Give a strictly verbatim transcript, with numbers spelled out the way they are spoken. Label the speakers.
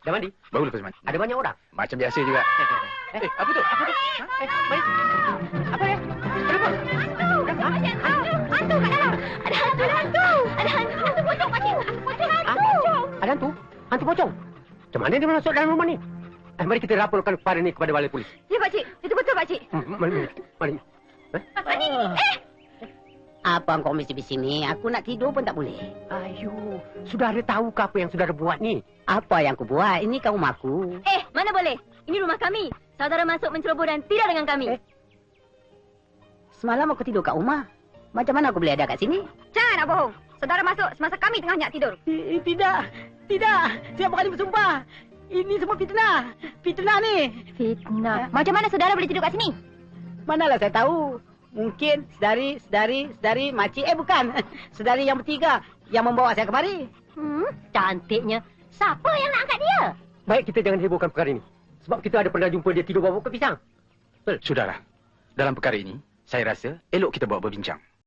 Speaker 1: Dah mandi?
Speaker 2: Baru lepas mandi.
Speaker 1: Ada banyak orang?
Speaker 2: Macam biasa juga.
Speaker 1: Eh,
Speaker 2: Eh, apa tu?
Speaker 1: apa tu? Ha? Eh, mari. Apa ya? Kenapa?
Speaker 3: Hantu! Hantu kat dalam! Ada hantu! Ada hantu! Ada hantu! Hantu pocong, pakcik! Pocong hantu!
Speaker 1: Ada hantu? Hantu pocong? Macam mana dia masuk dalam rumah ni? Eh, mari kita laporkan perkara ni kepada balai polis.
Speaker 3: Ya, pakcik. Itu betul, pakcik.
Speaker 1: Hmm, mari, mari. Mari. Eh?
Speaker 3: Pakcik, eh!
Speaker 4: Apa kau mesti di sini? Aku nak tidur pun tak boleh.
Speaker 1: Ayo, saudara tahu ke apa yang saudara buat ni?
Speaker 4: Apa yang aku buat? Ini kau rumah aku.
Speaker 3: Eh, mana boleh? Ini rumah kami. Saudara masuk menceroboh dan tidak dengan kami.
Speaker 4: Eh. Semalam aku tidur kat rumah. Macam mana aku boleh ada kat sini?
Speaker 3: Jangan nak bohong. Saudara masuk semasa kami tengah nyak tidur.
Speaker 4: Eh, tidak. Tidak. Saya berani bersumpah. Ini semua fitnah. Fitnah ni.
Speaker 3: Fitnah. Macam mana saudara boleh tidur kat sini?
Speaker 4: Manalah saya tahu. Mungkin sedari, sedari, sedari, makcik. Eh, bukan. Sedari yang bertiga yang membawa saya kemari.
Speaker 3: Hmm, cantiknya. Siapa yang nak angkat dia?
Speaker 1: Baik, kita jangan hebohkan perkara ini. Sebab kita ada pernah jumpa dia tidur bawa ke pisang.
Speaker 2: Sudahlah. Dalam perkara ini, saya rasa elok kita bawa berbincang.